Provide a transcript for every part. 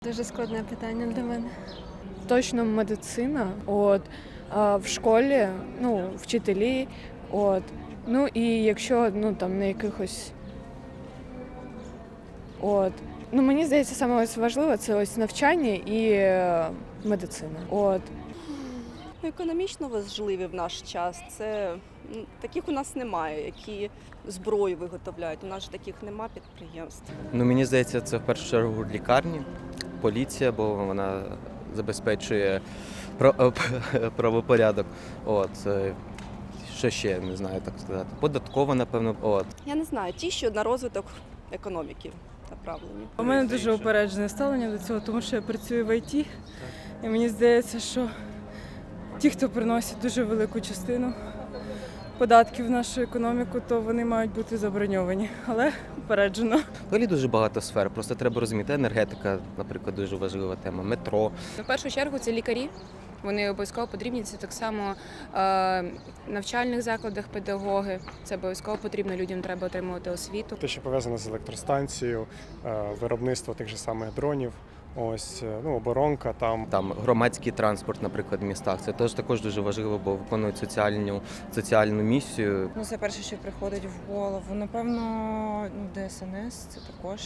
Дуже складне питання для мене. Точно медицина, в школі, вчителі, і якщо, там на якихось, мені здається, саме ось важливе – це ось навчання і медицина, Економічно важливі в наш час. Це таких у нас немає, які зброю виготовляють. У нас ж таких нема підприємств. Мені здається, це в першу чергу лікарні, поліція, бо вона забезпечує правопорядок. Що ще, не знаю, так сказати. Податкова, напевно. Я не знаю, ті, що на розвиток економіки направлені. У мене дуже упереджене ставлення до цього, тому що я працюю в ІТ, і мені здається, що ті, хто приносять дуже велику частину податків в нашу економіку, то вони мають бути заброньовані, але упереджено. Взагалі дуже багато сфер, просто треба розуміти. Енергетика, наприклад, дуже важлива тема, метро. В першу чергу це лікарі. Вони обов'язково потрібні. Це так само в навчальних закладах педагоги. Це обов'язково потрібно, людям треба отримувати освіту. Те, що пов'язане з електростанцією, виробництво тих же самих дронів, оборонка там. Там громадський транспорт, наприклад, в містах. Це також дуже важливо, бо виконують соціальну місію. Це перше, що приходить в голову. Напевно, ДСНС – це також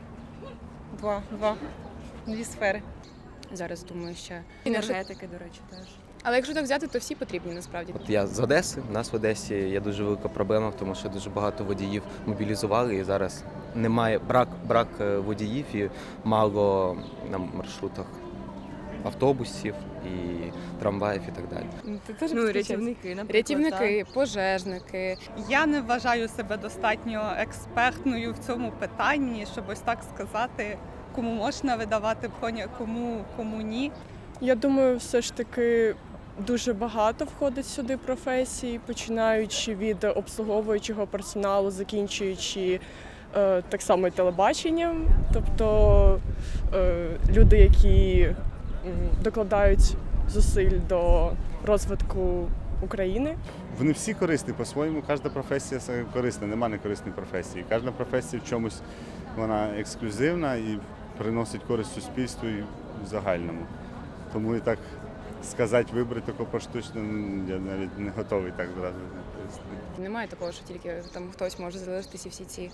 дві сфери. Зараз думаю, що Енергетики, до речі, теж. Але якщо так взяти, то всі потрібні насправді. Я з Одеси, у нас в Одесі є дуже велика проблема, тому що дуже багато водіїв мобілізували і зараз немає брак водіїв і мало на маршрутах автобусів і трамваїв і так далі. Рятівники, наприклад. Рятівники, пожежники. Я не вважаю себе достатньо експертною в цьому питанні, щоб ось так сказати, кому можна видавати коня, кому ні. Я думаю, все ж таки дуже багато входить сюди професій, починаючи від обслуговуючого персоналу, закінчуючи так само і телебаченням. Тобто люди, які докладають зусиль до розвитку України. Вони всі корисні по-своєму, кожна професія корисна, немає некорисної професії. Кожна професія в чомусь вона ексклюзивна і приносить користь суспільству і в загальному. Тому і так сказати, вибрати таку поштучно, я навіть не готовий так зразу. Немає такого, що тільки там хтось може залишитися всі ці.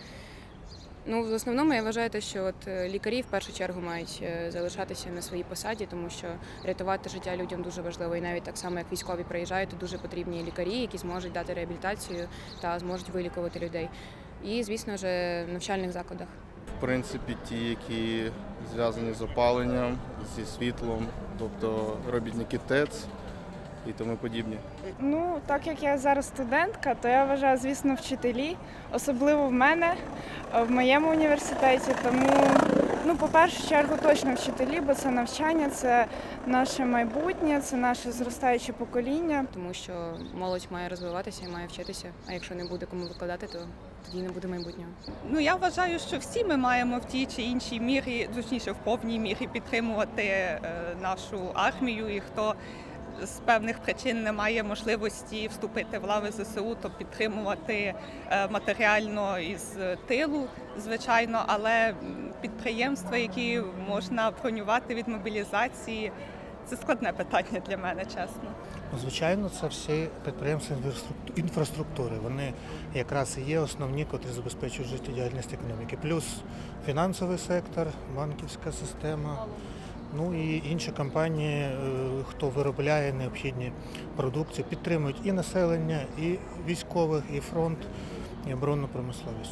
В основному я вважаю, що лікарі в першу чергу мають залишатися на своїй посаді, тому що рятувати життя людям дуже важливо. І навіть так само, як військові приїжджають, то дуже потрібні лікарі, які зможуть дати реабілітацію та зможуть вилікувати людей. І, звісно ж, в навчальних закладах. В принципі, ті, які зв'язані з опаленням, зі світлом, тобто робітники ТЕЦ і тому подібні. Так як я зараз студентка, то я вважаю, звісно, вчителі, особливо в моєму університеті. Тому, по першу чергу, точно вчителі, бо це навчання, це наше майбутнє, це наше зростаюче покоління. Тому що молодь має розвиватися і має вчитися, а якщо не буде кому викладати, то тоді не буде майбутнього. Я вважаю, що всі ми маємо в тій чи іншій мірі, точніше в повній мірі підтримувати нашу армію, і хто з певних причин не має можливості вступити в лави ЗСУ, то підтримувати матеріально із тилу, звичайно, але підприємства, які можна бронювати від мобілізації, це складне питання для мене, чесно. Звичайно, це всі підприємства інфраструктури. Вони якраз і є основні, котрі забезпечують життєдіяльність економіки. Плюс фінансовий сектор, банківська система, і інші компанії, хто виробляє необхідні продукції, підтримують і населення, і військових, і фронт, і оборонну промисловість.